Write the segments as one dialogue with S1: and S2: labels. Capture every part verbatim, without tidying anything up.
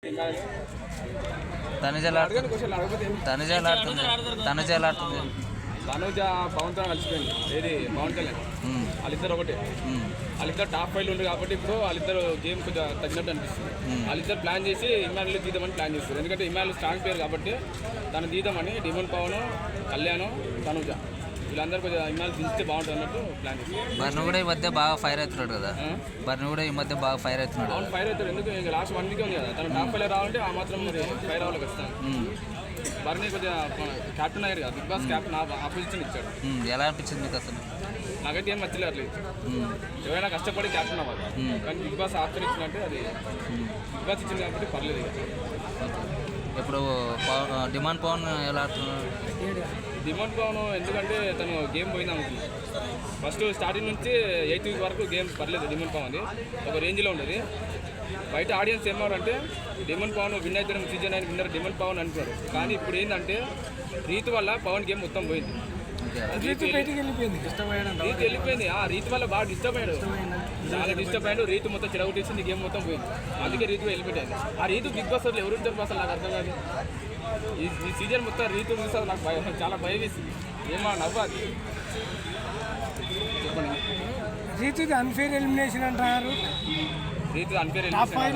S1: తనుజ తనుజ ఆడుతుంది తనుజ ఆడుతుంది
S2: తనుజ పవన్ తో కలిసిపోయింది. ఏది పవన్ కళ్యాణ్ వాళ్ళిద్దరు ఒకటే. వాళ్ళిద్దరు టాప్ ఫైవ్ ఉంది కాబట్టి ఇప్పుడు వాళ్ళిద్దరు గేమ్ కొంచెం తగ్గినట్టు అనిపిస్తుంది. వాళ్ళిద్దరు ప్లాన్ చేసి ఇమాన్యుల్ తీద్దామని ప్లాన్ చేస్తారు. ఎందుకంటే ఇమాన్యుల్ స్ట్రాంగ్ ప్లేయర్ కాబట్టి తను తీద్దామని డిమోన్ పవన్, కళ్యాణ్, తనుజ వీళ్ళందరూ కొంచెం ఇమాన్యుల్ దించితే బాగుంటుంది అన్నట్టు ప్లాన్ చేస్తారు.
S1: బర్ను కూడా ఈ మధ్య బాగా ఫైర్ అవుతున్నాడు కదా. బర్ను కూడా ఈ మధ్య బాగా ఫైర్ అవుతున్నాడు.
S2: అవును ఫైర్ అవుతాడు. ఎందుకు ఇంకా లాస్ట్ వన్ వీక్ ఉంది కదా తను టాప్ ఫైవ్ రావాలంటే ఆ మాత్రం మరి ఫైర్ అవ్వాలి ఖచ్చితంగా. బర్నీ కొంచెం క్యాప్టెన్ అయ్యాడు కదా, బిగ్ బాస్ క్యాప్టెన్ ఆపోజిషన్ ఇచ్చాడు.
S1: ఎలా అనిపించింది మీకు అసలు?
S2: నాకైతే ఏం నచ్చలేదు అట్లేదు. ఎవరైనా కష్టపడి క్యాప్టెన్ అవ్వాలి, కానీ బిగ్ బాస్ ఆప్షన్ ఇచ్చినట్టే అది బిగ్ బాస్ ఇచ్చింది కాబట్టి పర్లేదు.
S1: ఇప్పుడు డిమాండ్ పవన్ ఎలా ఆడుతున్నాడు?
S2: డిమాండ్ పవన్ ఎందుకంటే తను గేమ్ పోయింది అనుకుంటున్నాను. ఫస్ట్ స్టార్టింగ్ నుంచి ఎయిత్ వీక్ వరకు గేమ్ పర్లేదు. డిమాండ్ పవన్ ఒక రేంజ్లో ఉండేది. బయట ఆడియన్స్ ఏమన్నారంటే డిమాండ్ పవన్ విన్ అవుతారు, సీజన్ అయిన విన్నర్ డిమాండ్ పవన్ అంటున్నారు. కానీ ఇప్పుడు ఏంటంటే రీతి వల్ల పవన్ గేమ్ మొత్తం పోయింది. రీతి వెళ్ళిపోయింది. ఆ రీతి వల్ల బాగా డిస్టర్బ్ అయ్యాడు, చాలా డిస్టర్బ్ అయ్యాడు. రీతి మొత్తం చెడగొట్టేసింది, గేమ్ మొత్తం పోయింది. అందుకే రీతి వెళ్ళిపోయింది. ఆ రీతి బిగ్ బాస్ వాళ్ళు ఎవరు ఇద్దరు అసలు నాకు అర్థం కాదు. ఈ ఈ సీజన్ మొత్తం రీతి చూసారు, నాకు భయం, చాలా భయం వేసింది. ఏమో నవ్వాలి. చెప్పండి.
S3: రీతి అన్ఫేర్ ఎలిమినేషన్ అంటారు.
S2: రీతి అన్ఫేర్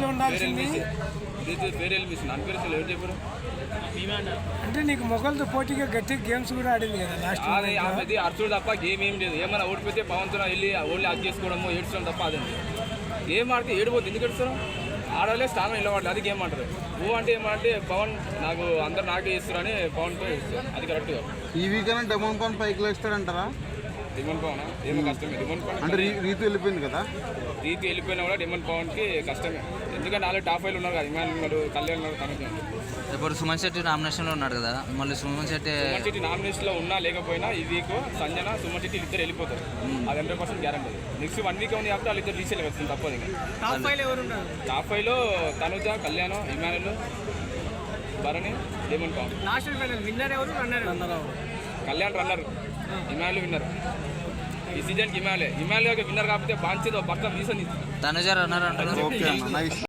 S2: రీతి ఫేర్ ఎలిమినేషన్ అన్ఫేర్ అసలు ఎవరు చెప్పారు?
S3: అంటే నీకు మొగలతో పోటీగా గట్టి గేమ్స్ కూడా ఆడింది కదా లాస్ట్.
S2: అది ఆమెది అర్చుడు తప్ప గేమ్ ఏం లేదు. ఏమైనా ఓడిపోతే పవన్తో వెళ్ళి ఓన్లీ అది చేసుకోవడము, ఏడ్చడం తప్ప అదండి. గేమ్ ఆడితే ఏడిపోతుంది. ఎందుకు ఏడుస్తారు? ఆడలే స్థానం వెళ్ళవాళ్ళు, అది గేమ్ అంటారు. ఓ అంటే ఏమంటే పవన్ నాకు అందరు నాకే ఇస్తారు అని పవన్తో ఇస్తారు, అది కరెక్ట్గా.
S4: ఈ వీకైనా డిమాండ్ పవన్ పైకి లేస్తాడంటారా?
S2: డిమాండ్ పవన్ ఏమో కష్టమే. డిమాండ్ పవన్
S4: అంటే రీతి వెళ్ళిపోయింది కదా.
S2: రీతి వెళ్ళిపోయినా కూడా డిమాండ్ పవన్కి కష్టమే. ఎందుకంటే నాలుగు టాప్ ఫైవ్లు ఉన్నారు కదా, ఇమాన్ ఉన్నారు, కళ్యాణ్ ఉన్నారు, తనకి.
S1: ఇప్పుడు సుమన్ శెట్టి నామినేషన్లో ఉన్నాడు కదా, మళ్ళీ సుమన్ శెట్టి
S2: సుమన్ శెట్టి నామినేషన్లో ఉన్నా లేకపోయినా ఈ వీక్ సంజన, సుమన్ శెట్టి ఇద్దరు వెళ్ళిపోతారు. అది hundred percent guarantee. Next one week ఉంది కాబట్టి వాళ్ళు ఇద్దరు తీసేయాలి వస్తుంది, తప్పదు. ఇంకా టాప్ ఫైవ్లో Tanuja, Kalyan, Emmanuel, Bharani, Demon Pavan. Kalyan runner, Emmanuel winner. ఈ సీజన్కి ఇమానుయల్ ఇమానుయల్ విన్నర్ కాకపోతే బాంచేదో పక్క వీసని
S1: తనుజ రన్నర్ అంటారు.